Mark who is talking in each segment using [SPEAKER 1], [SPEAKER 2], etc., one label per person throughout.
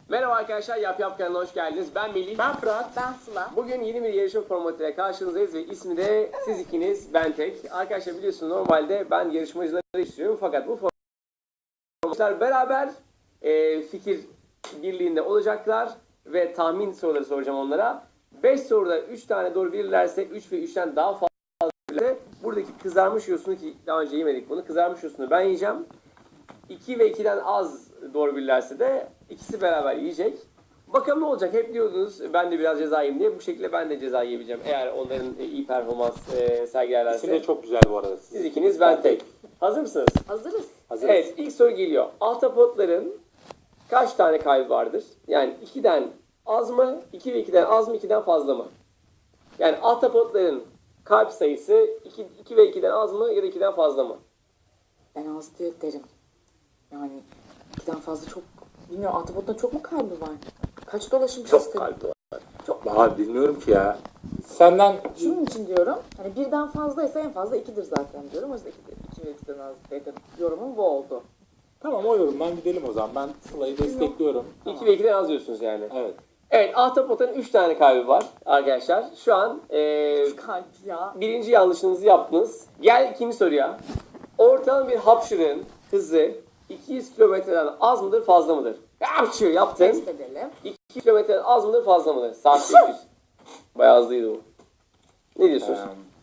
[SPEAKER 1] Merhaba arkadaşlar, Yap Yap kanalına hoş geldiniz. Ben Melih.
[SPEAKER 2] Ben Fırat.
[SPEAKER 3] Ben Sıla.
[SPEAKER 1] Bugün yeni bir yarışma formatıyla karşınızdayız ve ismi de siz ikiniz, ben tek. Arkadaşlar biliyorsunuz normalde ben yarışmacıları istiyorum fakat bu formatlar beraber fikir birliğinde olacaklar ve tahmin soruları soracağım onlara. 5 soruda 3 tane doğru bilirlerse 3 ve 3'ten daha fazla bilirlerse buradaki kızarmış yosunu ki daha önce yemedik bunu, kızarmış yosunu ben yiyeceğim. 2 ve 2'den az doğru bilirlerse de ikisi beraber yiyecek. Bakalım ne olacak? Hep diyordunuz ben de biraz ceza yiyeyim diye. Bu şekilde ben de ceza yiyebileceğim. Eğer onların iyi performans sergilerlerse.
[SPEAKER 2] İsim de çok güzel bu arada.
[SPEAKER 1] Siz ikiniz, ben tek. Hazır mısınız?
[SPEAKER 3] Hazırız.
[SPEAKER 2] Hazırız.
[SPEAKER 1] Evet, ilk soru geliyor. Ahtapotların kaç tane kalbi vardır? Yani 2'den az mı? 2 ve 2'den az mı? 2'den fazla mı? Yani ahtapotların kalp sayısı 2 ve 2'den az mı ya da 2'den fazla mı?
[SPEAKER 3] Ben az diyor derim. Yani 2'den fazla çok... Bilmiyorum, Ahtapot'ta çok mu kalbi var? Kaç dolaşım
[SPEAKER 1] Çok
[SPEAKER 3] sistemi?
[SPEAKER 1] kalbi var.
[SPEAKER 3] Çok.
[SPEAKER 2] Daha bilmiyorum ki ya. Senden
[SPEAKER 3] Şunun için diyorum. Hani birden fazlaysa en fazla 2'dir zaten diyorum. O yüzden 2 ve 2'den az dedim. Yorumum bu oldu.
[SPEAKER 2] tamam o yorumdan gidelim o zaman. Ben Sıla'yı destekliyorum.
[SPEAKER 1] 2 ve 2'den az diyorsunuz yani.
[SPEAKER 2] Evet.
[SPEAKER 1] Evet, ahtapotun 3 tane kalbi var arkadaşlar. Şu an
[SPEAKER 3] Kalp ya.
[SPEAKER 1] birinci yanlışınızı yaptınız. Gel ikinci soruya. Ortalama bir hapşırığın hızı 200 kilometreden az mıdır, fazla mıdır? Hapşır yaptın.
[SPEAKER 3] Test edelim.
[SPEAKER 1] 200 kilometreden az mıdır, fazla mıdır? Saatte 200. Bayağı hızlıydı bu. Ne diyorsunuz?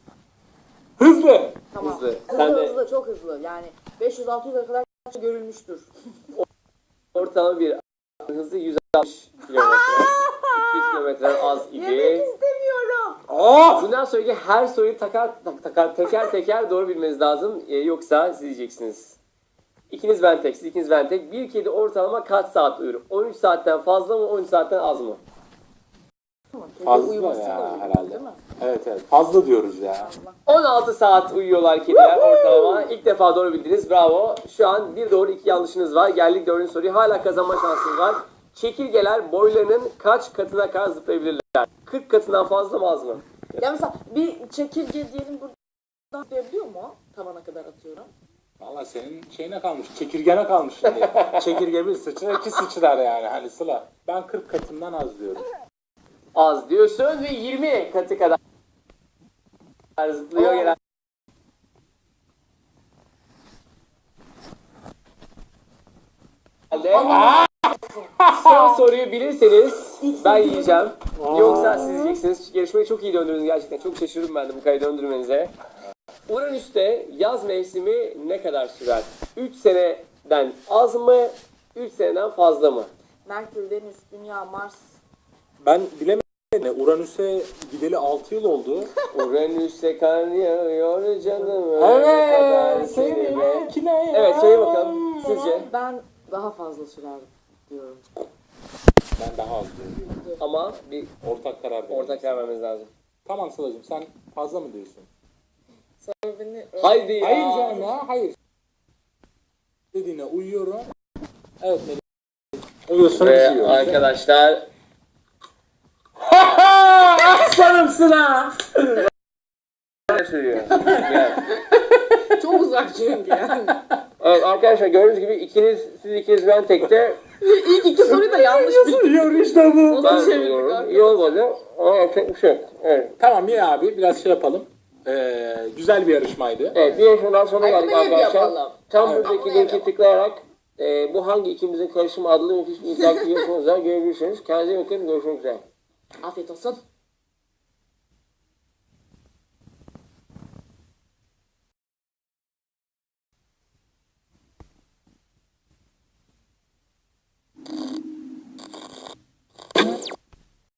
[SPEAKER 2] Hızlı.
[SPEAKER 3] Tamam.
[SPEAKER 1] Hızlı.
[SPEAKER 3] Hızlı,
[SPEAKER 1] Sen de-
[SPEAKER 3] hızlı, çok hızlı. Yani 500-600'e kadar görülmüştür.
[SPEAKER 1] Ortalama bir hızı 160 kilometre. 200 kilometreden az
[SPEAKER 3] Yemek
[SPEAKER 1] idi.
[SPEAKER 3] istemiyorum.
[SPEAKER 2] Of!
[SPEAKER 1] Bundan sonraki her soruyu teker teker doğru bilmeniz lazım. Yoksa siz diyeceksiniz. İkiniz ben tek, siz ikiniz ben tek. Bir kedi ortalama kaç saat uyur? 13 saatten fazla mı, 13 saatten az mı?
[SPEAKER 3] Tamam.
[SPEAKER 2] Fazla
[SPEAKER 3] uyumasıyla
[SPEAKER 2] ya,
[SPEAKER 3] uyuyor,
[SPEAKER 2] herhalde.
[SPEAKER 3] değil mi?
[SPEAKER 2] Evet. Fazla diyoruz ya.
[SPEAKER 1] 16 saat uyuyorlar kediler ortalama. İlk defa doğru bildiniz. Bravo. Şu an bir doğru 2 yanlışınız var. Geldik 4. soruya. Hala kazanma şansınız var. Çekirgeler boylarının kaç katına kadar zıplayabilirler? 40 katından fazla mı, az mı?
[SPEAKER 3] Ya mesela bir çekirge diyelim buradan atlayabiliyor mu? Tavana kadar atıyorum.
[SPEAKER 2] Valla senin şeyine kalmış. Çekirgene kalmış şimdi. Çekirge bir sıçrar, iki sıçrar yani. Hani Sıla. Ben 40 katından az diyorum.
[SPEAKER 1] Az diyorsun ve 20 katı kadar zıplıyor gelen. Son soruyu bilirseniz ben yiyeceğim. Yoksa siz yiyeceksiniz. Yarışmayı çok iyi döndürdünüz gerçekten. Çok şaşırdım ben de bu kadar döndürmenize. Uranüs'te yaz mevsimi ne kadar sürer? 3 seneden az mı? 3 seneden fazla mı?
[SPEAKER 3] Merkür, Venüs, Dünya, Mars.
[SPEAKER 2] Ben bilemedim. Uranüs'e gideli 6 yıl oldu.
[SPEAKER 1] Uranüs'e kar yağıyor canım. öyle kadar
[SPEAKER 2] Evet.
[SPEAKER 1] seni
[SPEAKER 2] Seni
[SPEAKER 1] be-
[SPEAKER 2] bekleyen.
[SPEAKER 1] Evet, söyle bakalım. Sizce?
[SPEAKER 3] Ben daha fazla sürer diyorum.
[SPEAKER 2] Ben daha az diyorum.
[SPEAKER 1] Ama bir
[SPEAKER 2] Ortak karar verelim.
[SPEAKER 1] ortak karar vermemiz lazım.
[SPEAKER 2] Tamam Sıla'cığım sen fazla mı diyorsun?
[SPEAKER 3] Sebebini
[SPEAKER 1] Haydi ya.
[SPEAKER 2] Hayır canım ya hayır. Dediğine uyuyorum. Evet Melih. Uyuyorsun
[SPEAKER 1] Ve
[SPEAKER 2] bizi
[SPEAKER 1] arkadaşlar
[SPEAKER 2] Aslanımsın ha.
[SPEAKER 1] söylüyor. Gel.
[SPEAKER 3] çok uzak çünkü yani.
[SPEAKER 1] Evet arkadaşlar gördüğünüz gibi siz ikiniz ben tekte.
[SPEAKER 3] İlk iki soruyu da yanlış bildim.
[SPEAKER 2] Yiyor işte bu.
[SPEAKER 1] Ben
[SPEAKER 3] çevirdik
[SPEAKER 1] söylüyorum.
[SPEAKER 3] arkadaşlar?
[SPEAKER 1] İyi olmadı ama yapacak bir şey yok. Evet.
[SPEAKER 2] Tamam ya abi biraz şey yapalım. Güzel bir yarışmaydı.
[SPEAKER 1] Evet, bir yarışmadan sonra geldik
[SPEAKER 3] Hadi bir
[SPEAKER 1] arkadaşlar.
[SPEAKER 3] yapalım.
[SPEAKER 1] Tam
[SPEAKER 2] Evet.
[SPEAKER 1] buradaki
[SPEAKER 3] Ama
[SPEAKER 1] linki
[SPEAKER 3] yapalım.
[SPEAKER 1] tıklayarak bu hangi ikimizin karışımı adlı müthiş bir interaktif yarışmamızda görebilirsiniz. Kendinize iyi bakın. Görüşmek üzere.
[SPEAKER 3] Afiyet olsun.